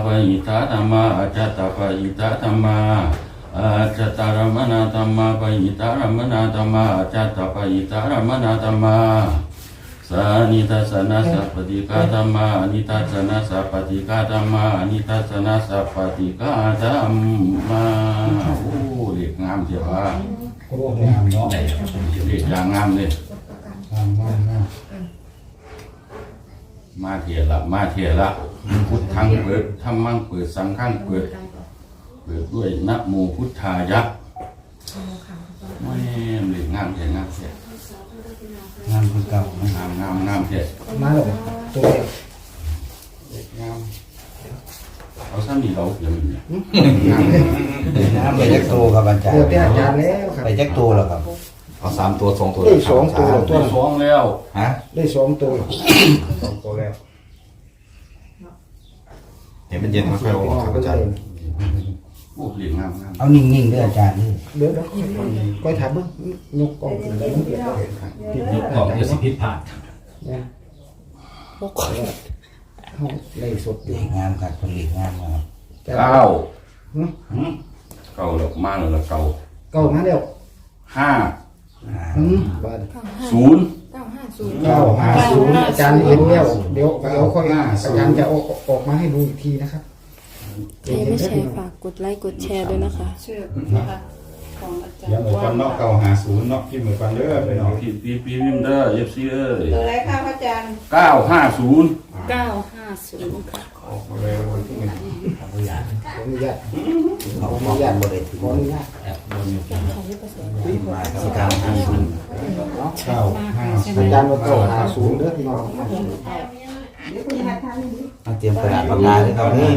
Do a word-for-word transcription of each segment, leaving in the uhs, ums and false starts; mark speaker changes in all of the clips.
Speaker 1: หิตาธรรมาอาจตปหิตาธรรมาอาจตารมณธรรมาปหิตารมณธรรมาอาจตปหิตารมณธรรมาสานิทัสสนะสัพพติกาธรรมานิทัสสนะสัพพติกาธรรมานิทัสสนะสัพพติกาธรรมาโอ้เรียกงามเสียว่า
Speaker 2: โอ้งามเนาะ
Speaker 1: เรียกอย่างงามเลย
Speaker 2: งามงามงาม
Speaker 1: มาเถียละมาเถียละพุทธังเปิดธรรมังเปิดสังฆังเปิดเปิดด้วยนะโมพุทธายะไม่เรียกงามเสียงามเสีย
Speaker 2: งามคือเก่าง
Speaker 1: ามงามงามเสีย
Speaker 2: มาหรอตัวเด็กงาม
Speaker 1: เอาซ้ำนี่เราเดี๋ยวมันเนี่ย
Speaker 2: งาม
Speaker 3: ไปแจ็คตัวครับอาจารย์
Speaker 2: เปิดเป็นอาจารย์แล้วครับ
Speaker 3: ไปแจ็คตัวแล้วครับเอาสามตัวสองตัว
Speaker 2: ได้สองตัวตัว
Speaker 1: สองแล้ว
Speaker 3: ฮะ
Speaker 2: ได้สองตัวสองตัวแล้ว
Speaker 3: เห็นมันเย็นค่อยๆออกครับอาจารย์
Speaker 1: โอ้เรียกงามงาม
Speaker 3: เอานิ่งๆด้วยอาจารย์นี่
Speaker 2: เดี๋ยวเดี๋ยวก้อยถามมึงยกกล่องขึ้นไปมึงเดี๋ยวเห็นครับยกกล่องจะสิพิษผ่านเนี่ยพวกเขาเลยสดอยู่
Speaker 3: งามครับผลิตงามมาก
Speaker 1: เก้าเก้าแล้วมาแล้วเก้า
Speaker 2: เก้ามาแล้ว
Speaker 1: ห้า
Speaker 2: ศูนย์เก้าห้าศูนย์เก้าห้าศูนย์อาจารย์เห็นแล้วเดี๋ยวเดี๋ยวค่อยอาจารย์จะออกออกมาให้ดูอีกทีนะครับ
Speaker 4: ใครไม่แชร์ฝากกดไลค์กดแชร์ด้วยนะคะ
Speaker 5: ชื่อนะคะของอาจารย์
Speaker 6: เดี๋ยวเหมือนกันเนาะเก้าหาศูนย์เนาะที่เหมือนกันเด้อไปเนาะ
Speaker 1: ปีปีปีวิมเดอร์เอฟซีเอ้ย
Speaker 5: ตัวไรค่ะพระอาจารย์
Speaker 1: เก้าห้าศูนย์
Speaker 5: เก้าห้าศูนย์ค่ะ
Speaker 6: ออกมาเลยวันที่หนึ่ง
Speaker 2: ขออนุญาตขออนุญาตขออนุญาตขออนุญาต
Speaker 3: มาครับเก้าห้าศูนย์
Speaker 2: เก้าห้าอาจารย์ว่าเก้าห้าศูนย์เด้อพี่น้อง
Speaker 3: มาเตรียมกระดาษปากกาด้วยครับนี่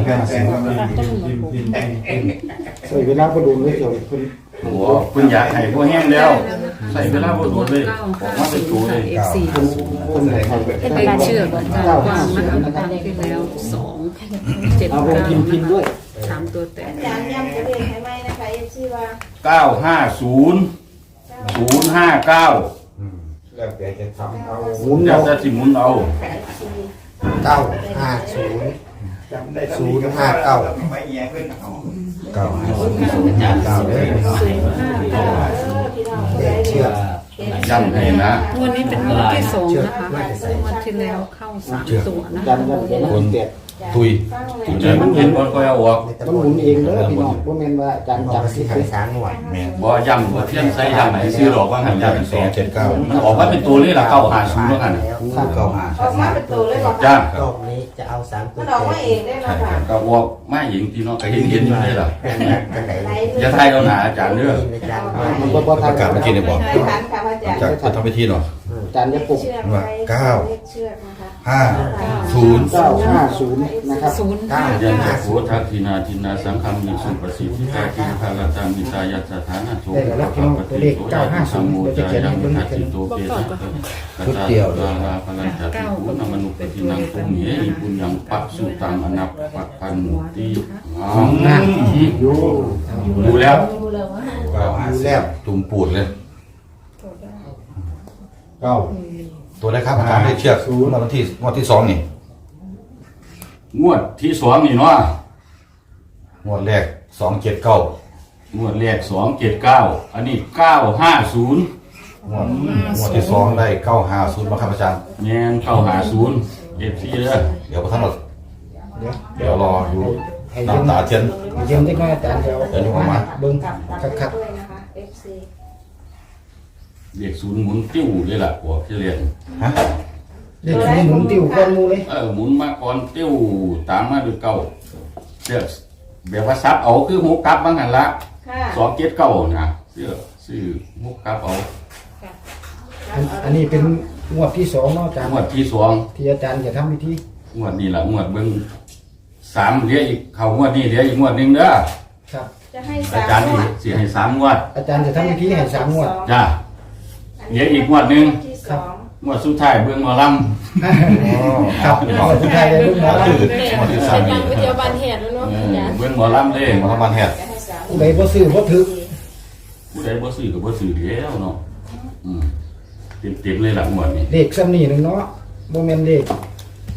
Speaker 2: ใส่เวลาก็ดูเลยเดี๋ยวคุณ
Speaker 1: โอ้คุณอยากให้พวกแห้งแล้วใส่เวลาบดบดเลยออกมาเป็นตัวเลย
Speaker 5: เอฟซี
Speaker 2: คนไหนคนเป็น
Speaker 5: เป็นเชื่ออาจารย์กว้างนะคะที่แล้วสองเจ็ดเก้านะคะสามตัวแต่
Speaker 7: อาจารย์ย้ำจะเรียนให้ไหมนะคะเอฟซีว่า
Speaker 1: เก้าห้าศูนย์ศูนย์ห้าเก้า
Speaker 6: แล้วแต่จะทำเอา
Speaker 2: หมุน
Speaker 1: อยา
Speaker 2: เอา
Speaker 1: กจะสิหมุนเอา
Speaker 2: เก้าห้าศูนย์ศูนย์ห้าเก้า
Speaker 6: ไม่แย่เพื่อนเอา
Speaker 3: เก้าห้าศูนย์ศูนย์ห้าเก้าเลย
Speaker 2: เชื่อ
Speaker 1: ย้ำให้นะ
Speaker 5: วันนี้เป็นวันที่สองนะคะวันที่แล้วเข้าสามตัวนะคะ
Speaker 3: คนตุย
Speaker 1: ใจมันเห็นบอลก็เอาออก
Speaker 2: ต้องหมุนเองเด้อพี่น้องบ่แม่นว่าอาจารย์จับสิไปสางหน่วย
Speaker 3: แม่
Speaker 1: บ่ย้ำบ่เทียนใส่ย้ำไหนซื้อหรอกว่าหันย้ำเป็นสอง
Speaker 3: เจ็ดเก้า
Speaker 1: มันออกมาเป็นตัวนี้ละเก้าหาศูนย์แล้วกัน
Speaker 3: เก้าห้า
Speaker 7: ออกมาเป็นตัวเลยหรอ
Speaker 1: จ้าร
Speaker 8: อบนี้จะเอาสามตัว
Speaker 7: มันออกมาเองได้หรอคะ
Speaker 1: ก็บอกมาหญิงที่น้องก็เห็นเห็นอยู่นี่ล่ะ
Speaker 8: กันไหน
Speaker 1: อย่าทายเราหนาอาจารย์เด้อ
Speaker 2: มันบ่บ่ทัน
Speaker 3: ประกาศเมื่อกี้เนี่ยบอก
Speaker 7: ใช่ค่ะพระอาจารย์
Speaker 3: จะทำพิธีหน่อย
Speaker 2: อาจารย์จะปลุก
Speaker 3: ว่าเก้า
Speaker 7: เชือกนะคะ
Speaker 3: ห้าศูนย์
Speaker 2: เก้าห้าศูนย์นะครับ
Speaker 5: ศูนย์
Speaker 3: เก้า
Speaker 1: ยันจะโสทักทินาทินาสังฆมิสุปสิทธิตาทิคาลตามิตายัสถานะโสภะปฏิโสยะสัมโมจายังทัติโตเปตะกตาลาลาพลัญจติปุณมนุปตินังปุญเยอิปุญญังปัสสุตังอนัปปัพันติอ๋ออยู่ดูแล้ว
Speaker 3: เก้าห้าแซ่บตุ่มปูดเลย
Speaker 6: เก้า
Speaker 3: ตัวแรกครับอาจารย์ได้เชือกวันที่วันที่สองนี่
Speaker 1: งวดที่สองนี่เนาะ
Speaker 3: งวดแรกสองเจ็ดเก้าง
Speaker 1: วดแรกสองเจ็ดเก้าอันนี้เก้าห้าศูนย์
Speaker 3: งวดงวดที่สองได้เก้าห้าศูนย์มาครับอาจารย์
Speaker 1: แง่นเก้าห้าศูนย์เอฟซีเลย
Speaker 3: เดี๋ยวทั้งหมด
Speaker 2: เดี๋ยว
Speaker 3: เดี๋ยวรอดูน้ำตาเทียน
Speaker 2: เยี่ยมที่น้อยอาจารย์เดี๋ยวมาเบิ่งคัก
Speaker 7: ด้วยนะคะเอฟซี
Speaker 1: เด็กศูนย์หมุนติ้วเลยล่ะพวกที่เรียน
Speaker 3: ฮะ
Speaker 2: ๆเด็กนี่หมุนติ้วก้อนมูเลย
Speaker 1: เออหมุนมาก่อนติ้วตามมาด้วยเก้าเสื้อแบบว่าซับเอาคือหกกลับบ้างหันละสองเจ็ดเก้านะเสื้อซื้อหกกลับเอา
Speaker 2: อันนี้เป็นงวดที่สองเนาะอาจารย์
Speaker 1: งวดที่สอง
Speaker 2: ที่อาจารย์จะทำพิธี
Speaker 1: งวดนี้แหละงวดเบิ้งสามเหลืออีกเขางวดนี้เหลืออีกงวดหนึ่งเด้อ
Speaker 2: ครับ
Speaker 7: จะให้
Speaker 1: อาจารย์สิให้สามงวด
Speaker 2: อาจารย์จะทำพิธีให้สามงวด
Speaker 1: จ้าเหลืออีกงวดหนึ่ง
Speaker 2: ครับ
Speaker 1: งวดสุดท้ายเบิ้งหมอลำ
Speaker 2: ครับงวดสุดท้ายเลยลูกหมอล
Speaker 3: งวดที่สามนี่
Speaker 4: ก๋วยเตี๋ยวบานเหตุแล้วเนาะ
Speaker 1: เออเบิ้งหมอลำเลย
Speaker 3: มาทำมันแหด
Speaker 2: ำผู้ใดบ่ซื้อบ่ถือ
Speaker 1: ผู้ใดบ่ซื้อก็บ่ซื้อแล้วเนาะอืมเต็มๆเลยล่ะงวดนี้
Speaker 2: เลขซ้ำนี่หนึงเนาะบ่แม่นเลข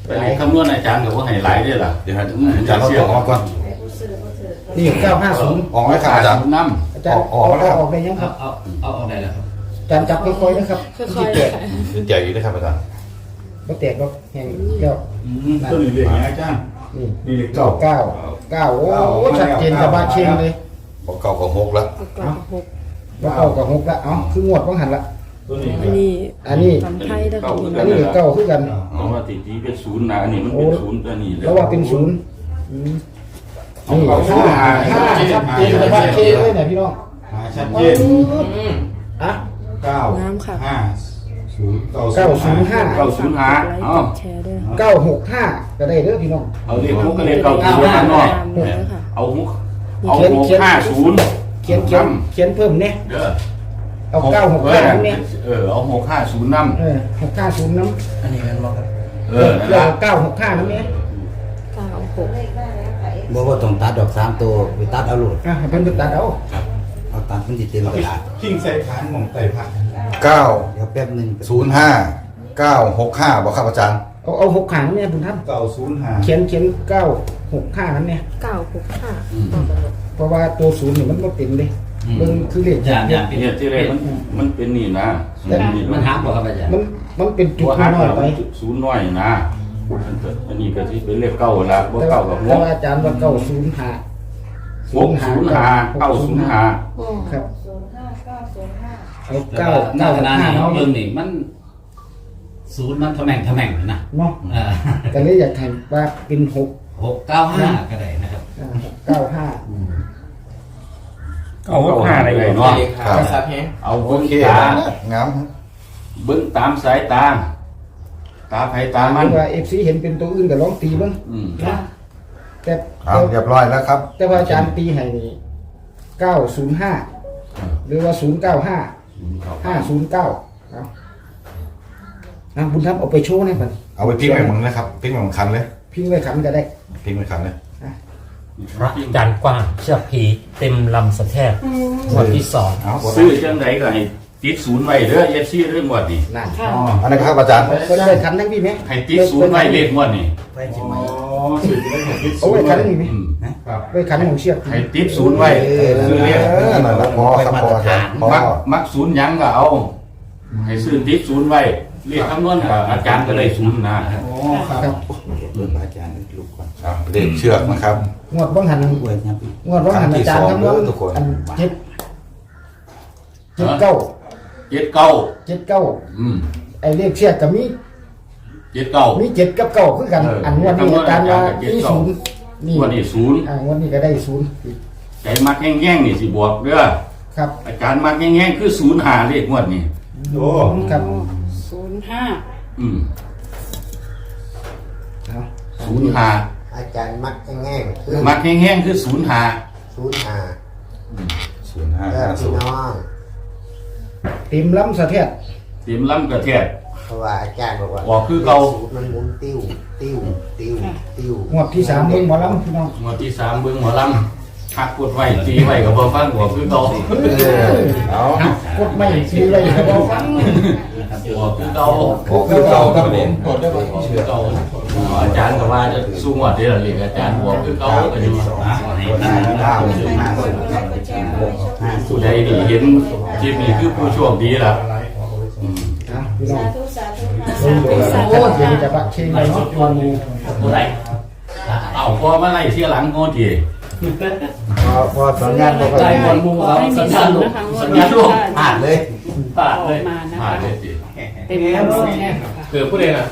Speaker 1: ไปคำนวณอาจารย์กับว่าให้หลายด้วยล่ะ
Speaker 3: เดี๋ยวให้อาจารย์เราตัวออกก่อน
Speaker 7: ให้ผู้ซื้อผู้ถือ
Speaker 2: นี่เก้าห้าศูนย์
Speaker 3: ออกไหมครับอาจารย์
Speaker 1: น้
Speaker 2: อาจารย์
Speaker 3: ออกออกแล้วครับ
Speaker 2: ออกได้ยังครับ
Speaker 8: เอาเอาเอาได้แล้วครับ
Speaker 2: อาจารย์จับค่อยๆนะครับ
Speaker 4: ค่อย
Speaker 2: ที่
Speaker 4: ๆ
Speaker 2: แตก
Speaker 4: ค่ะ
Speaker 3: เป็นใหญ่อยู่นะครับอาจารย์
Speaker 2: ก็แตกก็แห้งแล้ว
Speaker 6: ตัวนี้เรียกยังไงอาจารย์
Speaker 2: นี่
Speaker 6: นี่เรียก
Speaker 2: เก้า
Speaker 6: เก้า
Speaker 2: เก้าเก้าโอ้ชัดเจนกับบ้าเชียงเลย
Speaker 3: บอกเก่ากับหกแล้ว
Speaker 4: ประกอบหก
Speaker 2: ว่าเก้ากับหกละเอ้าคืองวดว่างหันละ
Speaker 6: ตัวนี้
Speaker 4: อันนี้
Speaker 2: อันนี้
Speaker 4: ทำไทยได้ค่ะพี่
Speaker 2: อั
Speaker 4: น้
Speaker 2: น
Speaker 4: อง
Speaker 2: นี้เก้าคือกัน
Speaker 1: ำเพราะว่าติดที่เป็นศูนย์นะอันนี้มันเป็นศูนย์ตัวนี้
Speaker 2: แล้วว่าเป็นศูนย์อืม
Speaker 6: เอา
Speaker 2: นี่
Speaker 6: เก้าศู
Speaker 2: ห้าน
Speaker 6: ย์หา
Speaker 2: ห้าชัดเจนกับบ้าเชียงเลยเนี่ยพี่น้อง
Speaker 6: หาชัดเจน
Speaker 2: อ่ะ
Speaker 6: เก้า
Speaker 4: น้ำค่ะ
Speaker 6: ห้าศูนย์
Speaker 2: เก้าศูนย์ห้า
Speaker 1: เก้าศูนย์ห้าก
Speaker 4: ดไลค์
Speaker 1: อ๋อก
Speaker 4: ดแชร์ด้วยนะคะ
Speaker 2: เก้าหกห้าก็ได้เด้อพี่น้อง
Speaker 1: เอาเลขหกก็เลขเก้าศูนย์ข้างนอก
Speaker 4: ตามเลยค่ะ
Speaker 1: เอาหกเอาหกห้าศูนย์
Speaker 2: เขียนเขียนเขียนเพิ่มเนี่ย
Speaker 1: เด้อ
Speaker 2: เอาเก้าหกห้าเนี่ย
Speaker 1: เออเอาหกห้าศูนย์น้
Speaker 2: เออหกห้าศูนย์น้
Speaker 8: อันนี้กันบ่ครับ
Speaker 1: ำเอ
Speaker 2: ำ
Speaker 1: อนั่น
Speaker 2: แล้ว
Speaker 1: ละ
Speaker 2: เก้าหกห้าน้ำเนี่ย
Speaker 4: เก้าหก
Speaker 7: เลขได้แล้วค่ะ
Speaker 8: บ่ว่าต้องตัดดอกสามตัวไปตัดเอาโลด
Speaker 2: อ่ะให้เพิ่นไปตัดเอา
Speaker 8: เอาตัดมันสิเต็มกระดาษ
Speaker 6: ทิ้งใส่ฐานหม่องไต่ผัก
Speaker 3: เก้า
Speaker 8: เดี๋ยวแป๊บหนึง
Speaker 3: ศูนย์ห้าเก้าหกห้าบอกครับอาจารย์
Speaker 2: เอาเอาหกขังเนี่ยคุณท่าน
Speaker 6: เก้าศูนย์ห้า
Speaker 2: เขียนเขียนเก้าหกห้านั้นเนี่ย
Speaker 4: เก้าหกห้า
Speaker 2: เพราะว่าตัวศูนย์เนี่ยมันก็เต็มเลยเบิ่งคือเลข
Speaker 8: อาจารย์อาจารย์
Speaker 1: เนี่ยที่แรกมันมันเป็นนี่นะศูนย์นี่
Speaker 8: มันหักบ่ครับอาจารย์
Speaker 2: มันมันเป็นจุ
Speaker 1: ตั
Speaker 2: ด
Speaker 1: วหัก
Speaker 2: น้อยไป
Speaker 1: ศูนย์น้อยนะอันนี้ก็ที่เป็นเลขเก้าละบ่
Speaker 2: แต่
Speaker 1: เก้า
Speaker 2: ว่า
Speaker 1: กับห
Speaker 2: แต่
Speaker 1: ก
Speaker 2: ว่าอาจารย์ว่าเก้าศูนย์ห้า
Speaker 1: หกศูนย์ห้าเก้าศูนย์ห้า
Speaker 2: ครับ
Speaker 7: ศูนย์ห้าเก้าศูนย์ห้า
Speaker 2: เอา
Speaker 8: เก้า
Speaker 2: เก้า
Speaker 8: หน้า
Speaker 2: เก้า
Speaker 8: ขนาด
Speaker 2: ห้า
Speaker 8: นี้
Speaker 2: เอา
Speaker 8: เบิ่งนี่มันศูนย์มันทะแม่งทะแม่งนะ
Speaker 2: เนาะ
Speaker 8: อ่า
Speaker 2: แต่เลยอยากให้ว่าเป็นหก
Speaker 8: หกเก้าห้าก็ได้นะครับ
Speaker 2: อ่าหกเก้าห้า
Speaker 1: เอาหกห้าอะไรเนาะ
Speaker 3: ครับ
Speaker 1: เอา
Speaker 3: โอ
Speaker 1: เบิ้ง
Speaker 3: เค
Speaker 1: ตา
Speaker 3: งาม
Speaker 1: เบิ้งตามสายตา ตาไผตามัน
Speaker 2: ว่าเอฟซีเห็นเป็นตัวอื่นก็ลองตีเบ้าง
Speaker 1: อืม
Speaker 2: นะแต่
Speaker 3: เอาเรียบร้อยแล้วครับ
Speaker 2: แต่ว่าอาจารย์ตีให้นี่เก้าศูนย์ห้าหรือว่าศูนย์เก้าห้าห้าศูนย์เก้าเอาอ่ะบุญทัพเอาไปโชว์หน่อยบัด
Speaker 3: เอาไปพิ้งไปหมึงนะครับพิ้งไปหมึงคันเลย
Speaker 2: พิงไว้ขันก็ได้
Speaker 3: พิ้งไปคันเลย
Speaker 9: พระจันทร์กว้างเชือกผีเต็มลำสะแทกงวดที่สอง
Speaker 3: เอาหมด
Speaker 1: ซื้อจังไดก็ให้ติดศูนย์ไว้เด้อ เอฟ ซี เรื่องงวดนี่
Speaker 2: นั่น
Speaker 6: อ๋อ
Speaker 3: อันนี้นครับอาจารย์
Speaker 2: ก็ได้ขันทั้งพี่ไหม
Speaker 1: ให้ติดศูนย์ไว้เลขงวดนี่
Speaker 8: ไปจิ
Speaker 6: อ๋
Speaker 8: ไหม
Speaker 6: อสื่อจะได้เห็นพิษ
Speaker 2: เอาไว้ขันนี่ไหม
Speaker 1: อืม
Speaker 6: ครับ
Speaker 2: ไว้ขันของเชือก
Speaker 1: ให้ติดศูนย์ไว้คือเลข
Speaker 3: เออนั่นแหละพอครับพออาจารย์พอ
Speaker 1: มักมักศูนย์หยังก็เอา ให้ซื้อติดศูนย์ไว้เรียกคำนวณกับอาจารย์ก็เลยศูนย์นะ
Speaker 6: อ๋อครับ
Speaker 2: ครับ
Speaker 8: เบิ่งอาจารย์ลูกก่อน
Speaker 3: ครับเลขเชือกนะครับ
Speaker 2: งวดบ้างหัน
Speaker 8: อวยนะพี่
Speaker 2: งวดบ้างหันอาจารย์คำนวณ
Speaker 3: ทุกคน
Speaker 2: อันเจ็ดเจ็ดเก้า
Speaker 1: เจ็ดเก้า
Speaker 2: เจ็ดเก้า
Speaker 1: อืม
Speaker 2: ไอ้เลขเชือกกับมี
Speaker 1: เจ็ดเก้า
Speaker 2: มีเจ็ดกับเก้าคือกัน
Speaker 1: เอออั
Speaker 2: อันงวดนี้อาจารย์ว่ามีศูนย์นี่
Speaker 1: งวดนี้ศูนย์
Speaker 2: อ่างวดนี้ก็ได้ศูนย์
Speaker 1: ใจมักแห้งๆนี่สิบวกเด้อ
Speaker 2: ครับ
Speaker 1: อาจารย์มักแห้งๆคือศูนย์หาเลขงวดนี้
Speaker 6: โอ้
Speaker 2: ครับ
Speaker 5: ศูนย์ห้า
Speaker 1: อืม
Speaker 2: เอา
Speaker 1: ศูนย์หา
Speaker 10: อาจารย์มักแง่งๆคือ
Speaker 1: มักแห้งๆคือศูนย์หา
Speaker 10: ศูนย์หา
Speaker 3: ศูนย์ห้า
Speaker 10: เออ
Speaker 3: ห้าศู
Speaker 10: พี่
Speaker 3: นย์
Speaker 10: น้อง
Speaker 2: เต็มล้ำสะเทียด
Speaker 1: เตรียมล้ำกระแทก
Speaker 10: เพราะว่าอาจารย์บอกว่า
Speaker 1: ออกคือเก่า
Speaker 10: ศูนย์มันหมุนติ้วติ้วติ้วติ้ว
Speaker 2: งวดที่สามเบิ่งหมอล้ำพี่น้อง
Speaker 1: งวดที่สามเบิ้งหมอลำหักกดไว้ตีไว้กับบ่ฟังหัวคือเก่า
Speaker 3: เออเอา
Speaker 2: กดไม่ซีเลยครับเอาฟัง
Speaker 1: หัวคือเก่า
Speaker 3: โอ้คือเก่าครับผม
Speaker 1: คือเก่าอาจารย์ก็ว่าจะสู้งวดเด้อเรียกอาจารย์หัวคือเก่าก็อยู่
Speaker 8: อ่ะให้ตั้งเก้าศูนย์ห้า
Speaker 1: ผู้ใดนี่เห็นคลิปนี้คือผู้โชคดีล่ะอืม
Speaker 2: เอาพี่น้อ
Speaker 7: สาง ธุสาธุค่ะ
Speaker 2: เบิ่งเดี๋ยวอาจารย์เดี๋ยวจะบักเชงเลยเนาะวันนี้
Speaker 8: ตัวไหน
Speaker 1: เอาพอมาไล่เที่ยหลังโง่ที
Speaker 10: พอพอสัญญาณบอกว่า
Speaker 8: ใจบอลมูครับสัญญาณลูกสัญญาณลูกผ่านเลย
Speaker 1: ปาด
Speaker 5: ออ
Speaker 1: เล
Speaker 5: ก
Speaker 1: ย
Speaker 5: มานะ
Speaker 1: ปา
Speaker 5: คะ
Speaker 1: ดเลยสิ
Speaker 5: เต็มแล้วสิเนี่ย
Speaker 1: เกิดผู้ใดน่ะ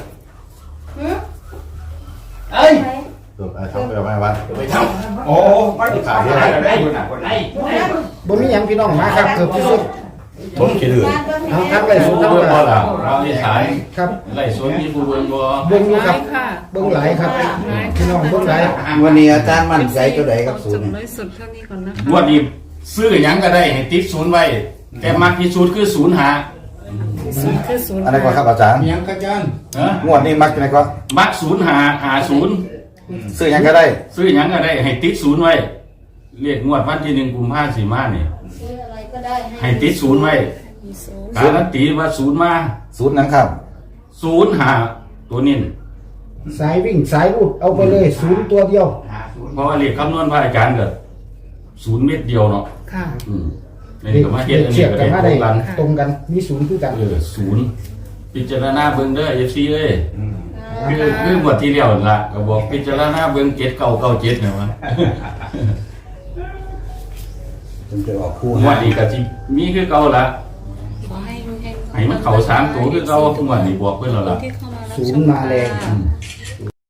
Speaker 8: เอ้ย
Speaker 3: ตัวไอ้ทำไปเอาไว้วัด
Speaker 1: ไปทำ
Speaker 6: โอ้ไม่ได้ขายได้ได้คนหนักคนหนัก
Speaker 2: บนนี้ยังพี่น้องมาครับเกือบที่สุด
Speaker 3: ต้นคิดอื่น
Speaker 2: เอาทั้งไล่สด
Speaker 1: ผู้
Speaker 2: ทั้ง
Speaker 1: เบิ่ง
Speaker 2: ห
Speaker 1: บ่
Speaker 2: ลาย
Speaker 1: ล่ะเราที่สาย
Speaker 2: ครับ
Speaker 1: ไล่สวนมีผู้เบิ่งบ่
Speaker 2: เบิ่งอยู่ครับ
Speaker 5: ค่ะ
Speaker 2: เบิ่งหลายครับพี่น้องเบิ่งหลาย
Speaker 10: วันนี้อาจารย์มั่นใจตัวใดกับศู
Speaker 5: จุ
Speaker 10: น
Speaker 5: ด
Speaker 10: ย์
Speaker 5: น้อยสุดเท่านี้ก่อนนะคะ
Speaker 1: งวดนี้ซื้อหยังก็ได้ให้ติดศูนย์ไว้ แต่มักที่สุดคือศูนย์หา
Speaker 5: ศูนย์คือศูนย์
Speaker 3: อันนี้ก็ครับอาจารย์
Speaker 6: ยังอาจารย์
Speaker 1: ฮะ
Speaker 3: งวดนี้มักยังไงก็
Speaker 1: มักศูนย์หาหาศูนย์
Speaker 3: ซื้อยังก็ได้
Speaker 1: ซื้อหยังก็ได้ให้ติดศูนย์ไว้เรียกงวดวันที่หนึ่งกุมภาพันธ์สี่มานี่
Speaker 7: ซื้ออะไรก็ได้ให้
Speaker 1: ให้ติดศูนย์ไว้การันตีว่าศูนย์มา
Speaker 3: ศูนย์หนังครับ
Speaker 1: ศูนย์หาตัวนิ่น
Speaker 2: สายวิ่งสายรูดเอาไปเลยศูนย์ตัวเดียว
Speaker 1: เพราะว่าเลขคำนวณพระอาจารย์ก็ศูนย์เม็ดเดียวเนาะ
Speaker 5: ค่ะ
Speaker 1: อืมในนี้ก็มาเฮ็ดอัน
Speaker 2: เที
Speaker 1: นี้
Speaker 2: ยบ
Speaker 1: ก็
Speaker 2: กัน
Speaker 1: ได้
Speaker 2: มา
Speaker 1: ตร
Speaker 2: ได้
Speaker 1: งกัน
Speaker 2: ตรงกันมีศูนย์คือกัน
Speaker 1: เออศูนย์พิจารณาเบิ่งเด้อ เอฟ ซี เอ้ย
Speaker 6: อืม
Speaker 1: คือคืองวดที่แล้วนั่นล่ะก็บอกพิจารณาเบิ่งเจ็ดเก้าเก้าเจ็ดเนี่ยว่า
Speaker 10: จนจะออกคู่
Speaker 1: งวดนี้ก็สิมีคือเก่าละ
Speaker 5: ขอให้ให้
Speaker 1: ให้มันเข้าสามตัวคือเก่างวดนี้บอกเพิ่นแล้วล่ะ
Speaker 5: ที่เข้ามารับ
Speaker 2: ศู
Speaker 5: ช
Speaker 2: นย์มาแรง
Speaker 5: ค่ะ